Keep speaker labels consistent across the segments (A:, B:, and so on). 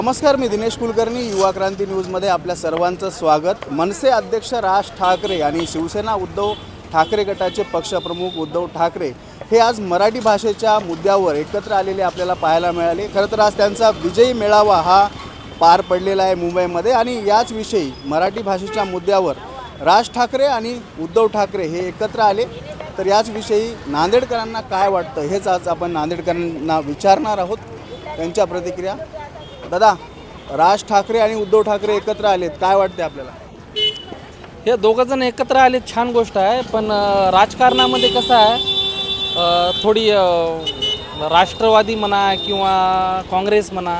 A: नमस्कार, मी दिनेश कुलकर्णी. युवा क्रांती न्यूजमध्ये आपल्या सर्वांचं स्वागत. मनसे अध्यक्ष राज ठाकरे आणि शिवसेना उद्धव ठाकरे गटाचे पक्षप्रमुख उद्धव ठाकरे हे आज मराठी भाषेच्या मुद्द्यावर एकत्र आलेले आपल्याला पाहायला मिळाले. खरं तर आज त्यांचा विजयी मेळावा हा पार पडलेला आहे मुंबईमध्ये आणि याच विषयी मराठी भाषेच्या मुद्द्यावर राज ठाकरे आणि उद्धव ठाकरे हे एकत्र आले. तर याच विषयी नांदेडकरांना काय वाटतं हेच आज आपण नांदेडकरांना विचारणार आहोत. त्यांच्या प्रतिक्रिया. दादा, राज ठाकरे आणि उद्धव ठाकरे एकत्र आलेत, काय वाटते आपल्याला?
B: हे दोघं जण एकत्र आले, छान गोष्ट आहे. पण राजकारणामध्ये कसं आहे, थोडी राष्ट्रवादी म्हणा किंवा काँग्रेस म्हणा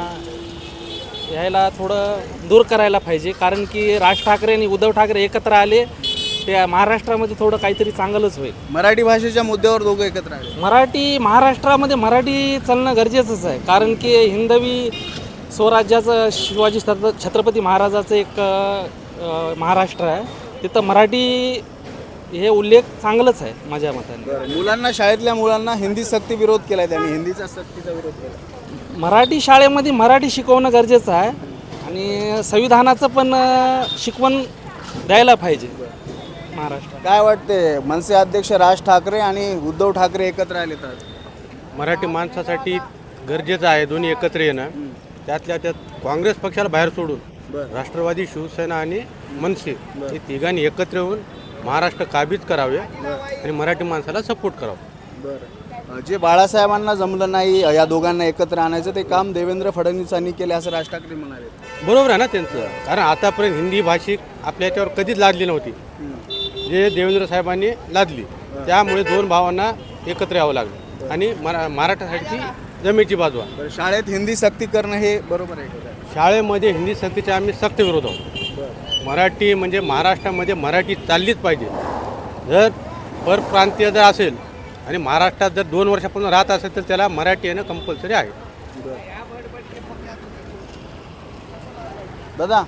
B: यायला थोडं दूर करायला पाहिजे. कारण की राज ठाकरे आणि उद्धव ठाकरे एकत्र आले ते महाराष्ट्रामध्ये थोडं काहीतरी चांगलंच होईल.
A: मराठी भाषेच्या मुद्द्यावर दोघं एकत्र आले.
B: महाराष्ट्रामध्ये मराठी चालणं गरजेचंच आहे. कारण की हिंदवी स्वराज्याचं शिवाजी छत्रपती महाराजाचं एक महाराष्ट्र आहे, तिथं मराठी हे उल्लेख चांगलंच आहे माझ्या मताने.
A: मुलांना, शाळेतल्या मुलांना हिंदी सक्ती विरोध केला, त्यांनी हिंदीचा सक्तीचा विरोध केला.
B: मराठी शाळेमध्ये मराठी शिकवणं गरजेचं आहे आणि संविधानाचं पण शिकवण द्यायला पाहिजे महाराष्ट्रात.
A: काय वाटते, मनसे अध्यक्ष राज ठाकरे आणि उद्धव ठाकरे एकत्र आलेत आज?
C: मराठी माणसासाठी गरजेचं आहे दोन्ही एकत्र येणं. त्यातल्या त्यात काँग्रेस पक्षाला बाहेर सोडून राष्ट्रवादी, शिवसेना आणि मनसे हे तिघांनी एकत्र येऊन महाराष्ट्र काबीज करावे आणि मराठी माणसाला सपोर्ट करावं.
A: जे बाळासाहेबांना जमलं नाही या दोघांना एकत्र आणायचं, ते काम देवेंद्र फडणवीसांनी केले असं राज ठाकरे म्हणाले.
C: बरोबर आहे ना त्यांचं, कारण आतापर्यंत हिंदी भाषिक आपल्या याच्यावर कधीच लादली नव्हती, जे देवेंद्र साहेबांनी लादली. त्यामुळे दोन भावांना एकत्र यावं लागलं आणि मराठासाठी जमेची बाजू आहे.
A: शाळेत हिंदी सक्ती करणं हे बरोबर आहे का?
C: शाळेमध्ये हिंदी सक्तीचा आम्ही सक्त विरोध आहोत. मराठी म्हणजे महाराष्ट्रामध्ये मराठी चाललीच पाहिजे. जर परप्रांतीय जर असेल आणि महाराष्ट्रात जर 2 वर्षापासून राहत असेल तर त्याला मराठी येणं कंपल्सरी आहे.
A: दादा,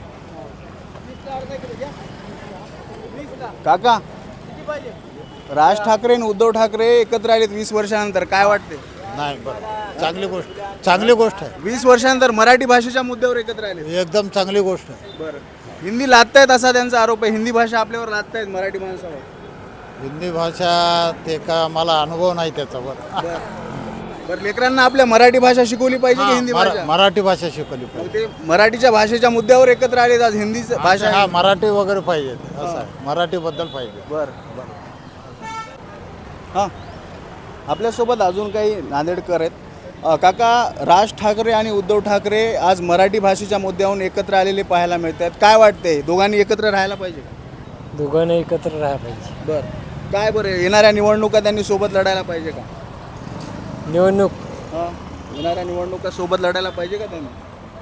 A: काका, राज ठाकरे आणि उद्धव ठाकरे एकत्र आलेत 20 वर्षानंतर, काय वाटते?
D: नाही, बरं, चांगली गोष्ट आहे.
A: 20 वर्षानंतर मराठी भाषेच्या मुद्द्यावर एकत्र आले,
D: एकदम चांगली गोष्ट आहे.
A: बरं. हिंदी लादतायत असा त्यांचा आरोप आहे, हिंदी भाषा आपल्यावर लादतायत मराठी माणसावर.
D: हिंदी भाषा ते का मला अनुभव नाही त्याचा.
A: बरं, लेकरांना आपल्या मराठी भाषा शिकवली पाहिजे की हिंदी भाषा?
D: मराठी भाषा शिकवली पाहिजे.
A: ते मराठीच्या भाषेच्या मुद्द्यावर एकत्र आले, आज हिंदी भाषा.
D: हा, मराठी वगैरे पाहिजे, असं आहे, मराठीबद्दल पाहिजे.
A: बरं. हां, आपल्यासोबत अजून काही नांदेडकर आहेत. काका, राज ठाकरे आणि उद्धव ठाकरे आज मराठी भाषेच्या मुद्द्यावरून एकत्र आलेले पाहायला मिळतात, काय वाटते, दोघांनी एकत्र राहायला पाहिजे का?
B: दोघांनी एकत्र राहायला पाहिजे.
A: बरं. काय बरं, येणाऱ्या निवडणुका त्यांनी सोबत लढायला पाहिजे का?
B: निवडणूक
A: येणाऱ्या निवडणुका सोबत लढायला पाहिजे का त्यांनी?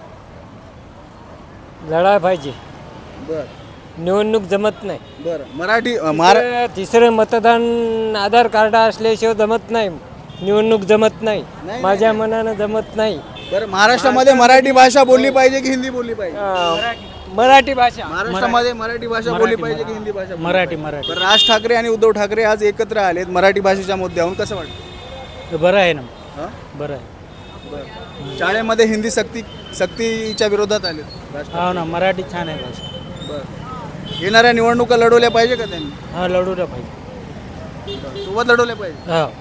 B: लढायला पाहिजे.
A: बरं
B: निवडणूक जमत नाही.
A: बरं.
B: तिसरं मतदान आधार कार्ड असल्याशिवाय जमत नाही, निवडणूक जमत नाही, माझ्या मनानं जमत नाही.
A: बरं, महाराष्ट्रामध्ये मराठी भाषा बोलली पाहिजे की हिंदी बोलली पाहिजे?
B: मराठी भाषा.
A: महाराष्ट्रामध्ये मराठी भाषा बोलली पाहिजे की हिंदी भाषा?
B: मराठी.
A: बरं, राज ठाकरे आणि उद्धव ठाकरे आज एकत्र आलेत मराठी भाषेच्या मुद्द्यावरून, कसं वाटतं?
B: बरं आहे ना.
A: हां,
B: बरं आहे.
A: शाळेमध्ये हिंदी सक्तीच्या विरोधात आलेत.
B: हो ना, मराठी छान आहे भाषा.
A: बरं. येणाऱ्या निवडणुका लढवल्या पाहिजे का त्यांनी?
B: हा, लढवल्या पाहिजे,
A: सोबत लढवल्या पाहिजे.
B: हा.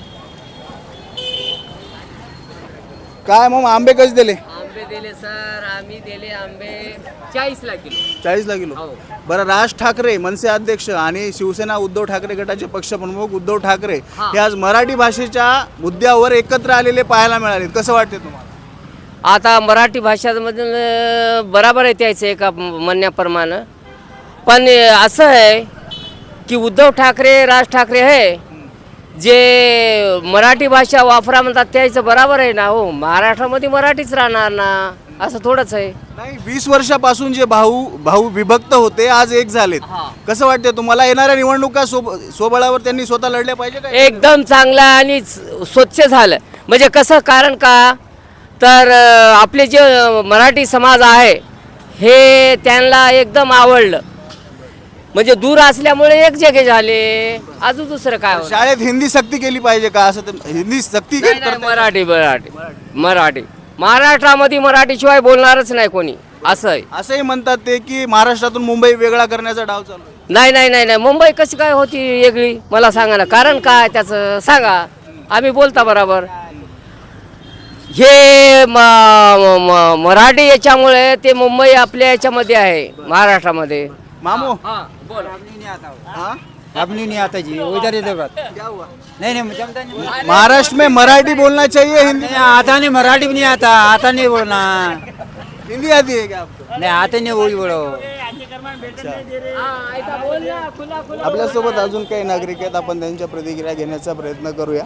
A: काय मग, आंबे कसे दिले?
E: आंबे दिले सर, आम्ही दिले आंबे 40ला किलो.
A: 40ला किलो. बरं, राज ठाकरे मनसे अध्यक्ष आणि शिवसेना उद्धव ठाकरे गटाचे पक्षप्रमुख उद्धव ठाकरे हे आज मराठी भाषेच्या मुद्द्यावर एकत्र आलेले पाहायला मिळाले, कसं वाटते तुम्हाला?
E: आता मराठी भाषामधून बराबर आहे त्याचं एका म्हणण्याप्रमाणे. पण असं आहे की उद्धव ठाकरे, राज ठाकरे आहे जे मराठी भाषा वापरा म्हणतात त्याचं बराबर आहे ना. हो, महाराष्ट्रामध्ये मराठीच राहणार ना, असं थोडंच आहे.
A: नाही, 20 वर्षापासून जे भाऊ विभक्त होते आज एक झालेत, कसं वाटते तुम्हाला? येणाऱ्या निवडणुका स्वबळावर त्यांनी स्वतः लढल्या पाहिजे का?
E: एकदम चांगला आणि स्वच्छ झालं. म्हणजे कसं, कारण का तर आपले जे मराठी समाज आहे हे त्यांना एकदम आवडलं. म्हणजे दूर असल्यामुळे एक जगे झाले, अजून दुसरं काय होणार?
A: शाळेत हिंदी सक्ती केली पाहिजे का? असं हिंदी सक्ती
E: नाही, नाही, मराठी मराठी मराठी महाराष्ट्रामध्ये मराठीशिवाय बोलणारच नाही कोणी, असं आहे.
A: असंही म्हणतात ते की महाराष्ट्रातून मुंबई वेगळा करण्याचा डाव चालू आहे.
E: नाही नाही नाही नाही, मुंबई कशी काय होती वेगळी, मला सांगा ना, कारण काय त्याचं सांगा, आम्ही बोलता बरोबर. हे मराठी याच्यामुळे ते मुंबई आपल्या याच्यामध्ये आहे, महाराष्ट्रामध्ये.
A: मामू
F: हाँ अपनी नहीं आता जी, उधर इधर बात
A: क्या हुआ?
F: नहीं नहीं मुझे आता नहीं,
A: महाराष्ट्र में मराठी बोलना चाहिए, हिंदी
F: आता नहीं, मराठी भी नहीं आता, आता नहीं बोलना,
A: हिंदी आती है क्या आपको?
F: नहीं आते नहीं, वही बोलो.
A: आपल्यासोबत अजून काही नागरिक आहेत, आपण त्यांच्या प्रतिक्रिया घेण्याचा प्रयत्न करूया.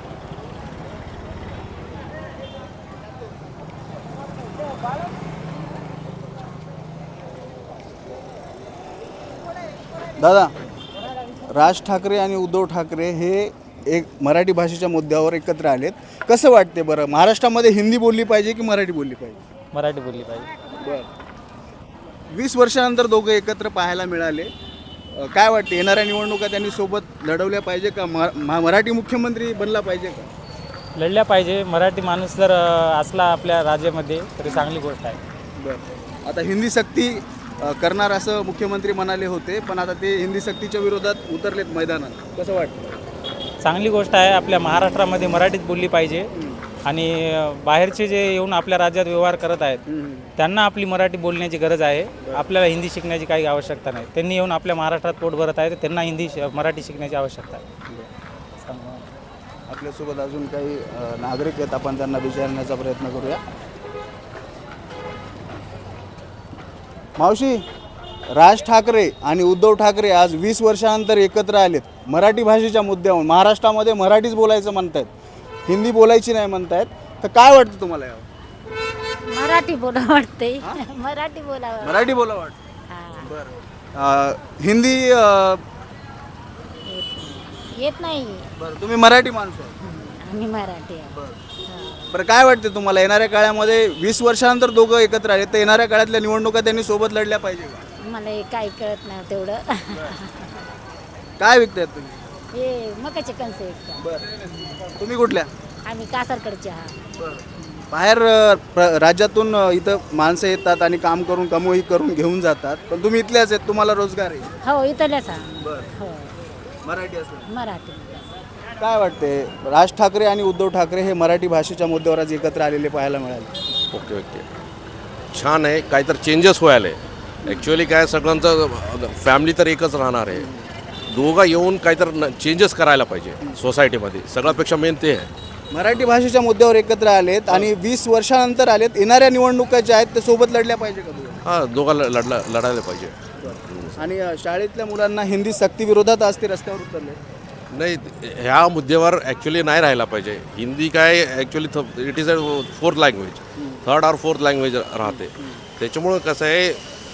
A: दादा, राज ठाकरे आणि उद्धव ठाकरे हे एक मराठी भाषेच्या मुद्द्यावर एकत्र आलेत. कसं वाटते बरं, महाराष्ट्रामध्ये हिंदी बोलली पाहिजे की मराठी बोलली पाहिजे?
B: मराठी बोलली पाहिजे.
A: 20 वर्षानंतर दोघं एकत्र पाहायला मिळाले. काय वाटते, येणाऱ्या निवडणुका त्यांनी सोबत लढवल्या पाहिजे का? मराठी मुख्यमंत्री बनला पाहिजे का?
B: लढल्या पाहिजे. मराठी माणूस जर असला आपल्या राज्यामध्ये तरी चांगली गोष्ट आहे.
A: बरं, आता हिंदी सक्ती करणार असं मुख्यमंत्री म्हणाले होते, पण आता ते हिंदी सक्तीच्या विरोधात उतरलेत मैदानात. कसं वाटतं?
B: चांगली गोष्ट आहे. आपल्या महाराष्ट्रामध्ये मराठीत बोलली पाहिजे आणि बाहेरचे जे येऊन आपल्या राज्यात व्यवहार करत आहेत त्यांना आपली मराठी बोलण्याची गरज आहे. आपल्याला हिंदी शिकण्याची काही आवश्यकता नाही. त्यांनी येऊन आपल्या महाराष्ट्रात पोट भरत आहे, तर त्यांना मराठी शिकण्याची आवश्यकता आहे.
A: आपल्यासोबत अजून काही नागरिक आहेत, आपण त्यांना विचारण्याचा प्रयत्न करूया. मावशी, राज ठाकरे आणि उद्धव ठाकरे आज 20 वर्षानंतर एकत्र आलेत मराठी भाषेच्या मुद्द्यावर. महाराष्ट्रामध्ये मराठीच बोलायचं म्हणतायत, हिंदी बोलायची नाही म्हणतायत. तर काय वाटतं तुम्हाला यावर?
G: मराठी बोला वाटते, मराठी बोला.
A: मराठी बोला वाटतं. बरं, हिंदी
G: येत नाही.
A: बरं, तुम्ही मराठी माणूस आहे.
G: आम्ही मराठी आहे.
A: बरं, काय वाटते तुम्हाला, येणाऱ्या काळामध्ये 20 वर्षानंतर दोघं एकत्र आले, तर येणाऱ्या काळातल्या निवडणुका त्यांनी सोबत लढल्या पाहिजे का?
G: मला हे काही कळत नाही तेवढं.
A: काय विकतायत तुम्ही?
G: हे मकाचे कणसे विकतात.
A: बरं, तुम्ही कुठल्या?
G: आम्ही कासारकडचे आहात.
A: बाहेर राज्यातून इथं माणसं येतात आणि काम करून कमोही करून घेऊन जातात, पण तुम्ही इथल्याच आहेत, तुम्हाला रोजगार आहे.
G: हो इथल्याच आहात.
A: बरं,
G: हो
A: मराठी असं.
G: मराठी.
A: काय वाटते, राज ठाकरे आणि उद्धव ठाकरे हे मराठी भाषेच्या मुद्द्यावर आज एकत्र आलेले पाहायला मिळाले.
H: ओके ओके, छान आहे. काहीतरी चेंजेस व्हायला. ॲक्च्युअली काय, सगळ्यांचं फॅमिली तर एकच राहणार आहे. दोघं येऊन काहीतरी चेंजेस करायला पाहिजे सोसायटीमध्ये. सगळ्यापेक्षा मेन ते आहे.
A: मराठी भाषेच्या मुद्द्यावर एकत्र आलेत आणि 20 वर्षानंतर आलेत. येणाऱ्या निवडणुका ज्या आहेत ते सोबत लढल्या पाहिजे का दोघं?
H: हां, दोघं लढायला पाहिजे.
A: आणि शाळेतल्या मुलांना हिंदी सक्ती विरोधात आज ते रस्त्यावर उतरले.
H: नाही, ह्या मुद्द्यावर ॲक्च्युली नाही राहायला पाहिजे. हिंदी काय actually it is a 4th language, 3rd or 4th language राहते. त्याच्यामुळं कसं आहे,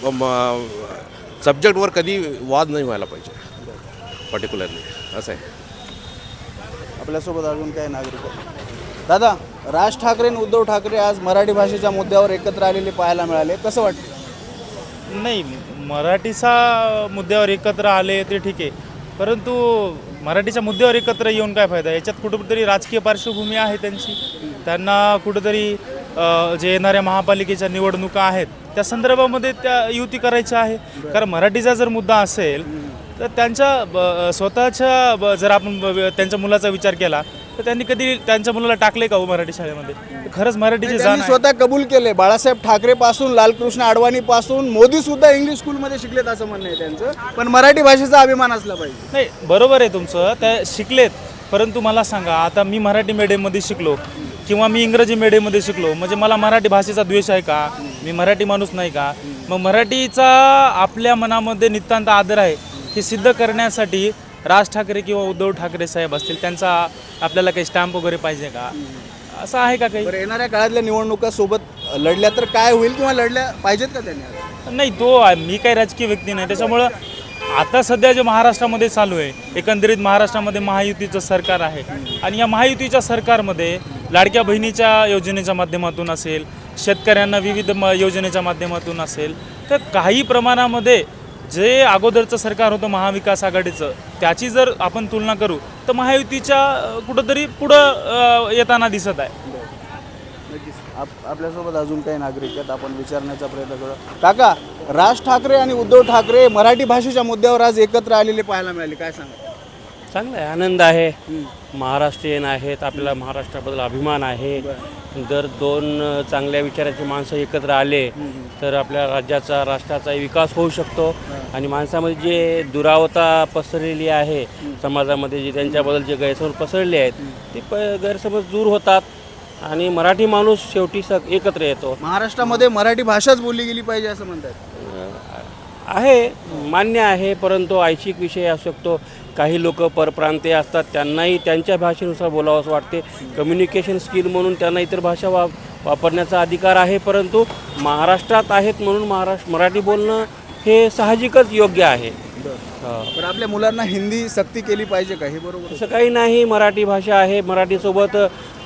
H: सब्जेक्टवर कधी वाद नाही व्हायला पाहिजे पर्टिक्युलरली, असं आहे.
A: आपल्यासोबत अजून काही नागरिक आहेत. दादा, राज ठाकरे आणि उद्धव ठाकरे आज मराठी भाषेच्या मुद्द्यावर एकत्र आलेले पाहायला मिळाले. कसं वाटतं?
I: नाही, मराठीचा मुद्द्यावर एकत्र आले ते ठीक आहे, परंतु मराठीच्या मुद्द्यावर एकत्र येऊन काय फायदा? याच्यात कुठंतरी राजकीय पार्श्वभूमी आहे त्यांची. त्यांना कुठंतरी जे येणाऱ्या महापालिकेच्या निवडणुका आहेत त्या संदर्भामध्ये त्या युती करायच्या आहे. कारण मराठीचा जर मुद्दा असेल तर त्यांच्या स्वतःच्या जर आपण त्यांच्या मुलाचा विचार केला तर त्यांनी कधी त्यांच्या मुलाला टाकले का हो मराठी शाळेमध्ये? खरंच मराठीची जाण
A: त्यांनी
I: आहे.
A: स्वतः कबूल केले. बाळासाहेब ठाकरे पासून लालकृष्ण अडवाणी पासून मोदी सुद्धा इंग्लिश स्कूलमध्ये शिकलेत असं म्हणणं आहे त्यांचं. पण मराठी भाषेचा अभिमान असला पाहिजे.
I: नाही, बरोबर आहे तुमचं, त्या शिकलेत. परंतु मला सांगा, आता मी मराठी मीडियममध्ये शिकलो किंवा मी इंग्रजी मीडियममध्ये शिकलो, म्हणजे मला मराठी भाषेचा द्वेष आहे का? मी मराठी माणूस नाही का? मग मराठीचा आपल्या मनामध्ये नितांत आदर आहे हे सिद्ध करण्यासाठी राज ठाकरे किंवा उद्धव ठाकरे साहेब असतील, त्यांचा आपल्याला काही स्टॅम्प वगैरे पाहिजे का? असं आहे का काही?
A: बरं, येणाऱ्या काळातल्या निवडणुका सोबत लढल्या तर काय होईल किंवा लढल्या पाहिजेत का त्यांनी?
I: नाही, मी काही राजकीय व्यक्ती नाही. त्याच्यामुळं आता सध्या जे महाराष्ट्रामध्ये चालू आहे, एकंदरीत महाराष्ट्रामध्ये महायुतीचं सरकार आहे आणि या महायुतीच्या सरकारमध्ये लाडक्या बहिणीच्या योजनेच्या माध्यमातून असेल, शेतकऱ्यांना विविध योजनेच्या माध्यमातून असेल, तर काही प्रमाणामध्ये जे अगोदरचं सरकार होतं महाविकास आघाडीचं, त्याची जर आपण तुलना करू तर महायुतीच्या कुठंतरी पुढं येताना दिसत आहे.
A: आपल्यासोबत अजून काही नागरिक आहेत, आपण विचारण्याचा प्रयत्न करू. काका, राज ठाकरे आणि उद्धव ठाकरे मराठी भाषेच्या मुद्द्यावर आज एकत्र आलेले पाहायला मिळाले, काय सांगा?
J: चांगलं आहे, आनंद आहे. महाराष्ट्रीयन आहेत, आपल्याला महाराष्ट्राबद्दल अभिमान आहे. जर दोन चांगल्या विचाराची माणसं एकत्र आले तर आपल्या राज्याचा राष्ट्राचाही विकास होऊ शकतो आणि माणसामध्ये जे दुरावता पसरलेली आहे समाजामध्ये, जे त्यांच्याबद्दल जे गैरसमज पसरले आहेत ते गैरसमज दूर होतात आणि मराठी माणूस शेवटी एकत्र येतो.
A: महाराष्ट्रामध्ये मराठी भाषाच बोलली गेली पाहिजे असं म्हणतात.
J: आहे, मान्य आहे, परंतु ऐच्छिक विषय असू शकतो. काही लोक परप्रांतीय असतात, त्यांनाही त्यांच्या भाषेनुसार बोलावं असं वाटते. कम्युनिकेशन स्किल म्हणून त्यांना इतर भाषा वापरण्याचा अधिकार आहे, परंतु महाराष्ट्रात आहेत म्हणून मराठी बोलणं हे साहजिकच योग्य आहे.
A: पण आपल्या मुलांना हिंदी सक्ती केली पाहिजे का, हे बरोबर?
J: असं काही नाही, मराठी भाषा आहे. मराठीसोबत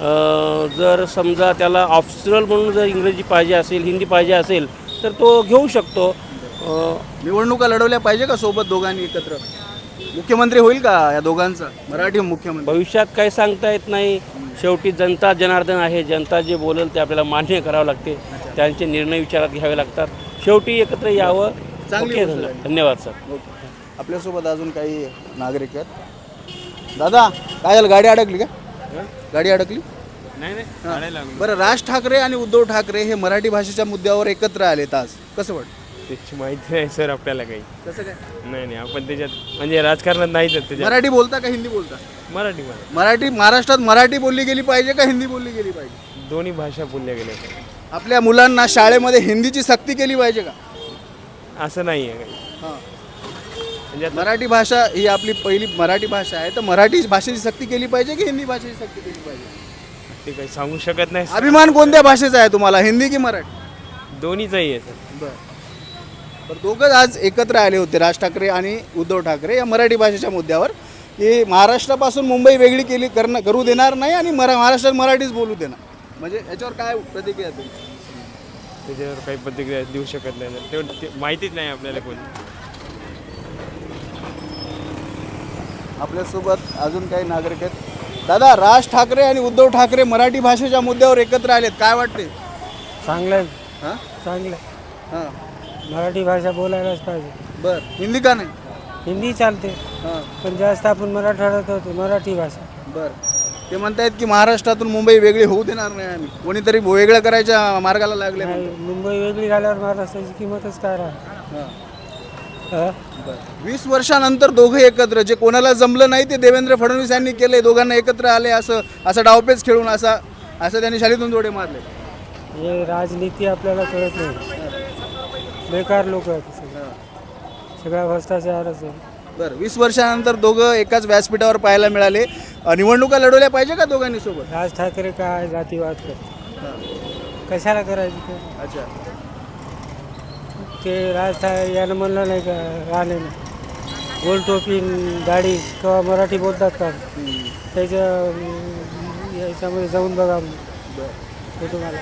J: जर समजा त्याला ऑप्शनल म्हणून जर इंग्रजी पाहिजे असेल, हिंदी पाहिजे असेल तर तो घेऊ शकतो.
A: निवडणुका लढवल्या पाहिजे का सोबत दोघांनी एकत्र? मुख्यमंत्री होईल का या दोघांचा, मराठी मुख्यमंत्री?
J: भविष्यात काही सांगता येत नाही. शेवटी जनता जनार्दन आहे. जनता जे बोलेल ते आपल्याला मान्य करावं लागते. त्यांचे निर्णय विचारात घ्यावे लागतात. शेवटी एकत्र यावं.
A: चांगली
J: ओके,
A: गोष्ट आहे.
J: धन्यवाद सर.
A: आपल्यासोबत अजून काही नागरिक आहेत. दादा, काय झालं, गाडी अडकली का? गाडी अडकली?
C: नाही.
A: बरं, राज ठाकरे आणि उद्धव ठाकरे हे मराठी भाषेच्या मुद्द्यावर एकत्र आलेत आज, कसं वाटतं?
K: त्याची माहिती नाही सर आपल्याला काही.
A: कसं काय?
K: नाही आपण त्याच्यात म्हणजे राजकारणात नाहीच त्याच्यात.
A: मराठी बोलता का हिंदी बोलता?
K: मराठी
A: मराठी महाराष्ट्रात मराठी बोलली गेली पाहिजे का हिंदी बोलली गेली पाहिजे?
K: दोन्ही भाषा बोलल्या गेल्या.
A: आपल्या मुलांना शाळेमध्ये हिंदीची सक्ती केली पाहिजे का?
K: असं नाही आहे काही.
A: हां.
K: म्हणजे
A: मराठी भाषा ही आपली पहिली मराठी भाषा आहे, तर मराठी भाषेची सक्ती केली पाहिजे की हिंदी भाषेची सक्ती केली पाहिजे?
K: ते काही सांगू शकत नाही.
A: अभिमान कोणत्या भाषेचा आहे तुम्हाला, हिंदी की मराठी?
K: दोन्हीचाही आहे सर.
A: बरं. तर दोघंच आज एकत्र आले होते, राज ठाकरे आणि उद्धव ठाकरे, या मराठी भाषेच्या मुद्द्यावर, की महाराष्ट्रापासून मुंबई वेगळी करू देणार नाही आणि महाराष्ट्रात मराठीच बोलू देणार. म्हणजे याच्यावर काय प्रतिक्रिया तुमची?
K: त्याच्यावर काही प्रतिक्रिया देऊ शकत नाही ना. ते माहितीच नाही आपल्याला कोणी.
A: आपल्यासोबत अजून काही नागरिक आहेत. दादा, राज ठाकरे आणि उद्धव ठाकरे मराठी भाषेच्या मुद्द्यावर एकत्र आलेत, काय वाटते?
L: चांगलं आहे.
A: हां
L: चांगलं आहे.
A: हां.
L: मराठी भाषा बोलायलाच पाहिजे.
A: बरं, हिंदी का नाही?
L: हिंदी चालते,
A: हां.
L: पण जास्त आपण मराठवाड्यात होतो मराठी भाषा.
A: बरं. ते म्हणतायत की महाराष्ट्रातून मुंबई वेगळी होऊ देणार नाही आम्ही, कोणीतरी वेगळं करायच्या मार्गाला लागले.
L: नाही, मुंबई वेगळी झाल्यावर महाराष्ट्राची किंमतच काय राहणार.
A: 20 वर्षानंतर दोघं एकत्र, जे कोणाला जमलं नाही ते देवेंद्र फडणवीस यांनी केले, दोघांना एकत्र आले, असं डावपेच खेळून असं त्यांनी शालीतून जोडे मारले.
L: हे राजनीती आपल्याला कळत नाही. बेकार लोक आहेत सगळा भ्रष्टाचारच आहे.
A: बरं, 20 वर्षानंतर दोघं एकाच व्यासपीठावर पाहायला मिळाले. निवडणुका लढवल्या पाहिजे का दोघांनी सोबत?
L: राज ठाकरे काय जातीवाद करते, कशाला करायचं ते?
A: अच्छा.
L: ते राज ठाकरे यानं म्हणलं नाही का, राहिले नाही गोल टोपी दाढी किंवा मराठी बोलतात का? त्याच्या याच्यामध्ये जाऊन बघा ते तुम्हाला.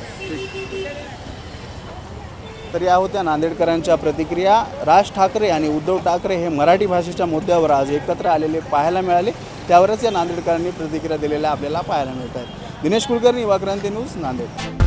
A: तर या होत्या नांदेडकरांच्या प्रतिक्रिया. राज ठाकरे आणि उद्धव ठाकरे हे मराठी भाषेच्या मुद्द्यावर आज एकत्र आलेले पाहायला मिळाले, त्यावरच या नांदेडकरांनी प्रतिक्रिया दिलेल्या आपल्याला पाहायला मिळत आहेत. दिनेश कुलकर्णी, युवा क्रांती न्यूज, नांदेड.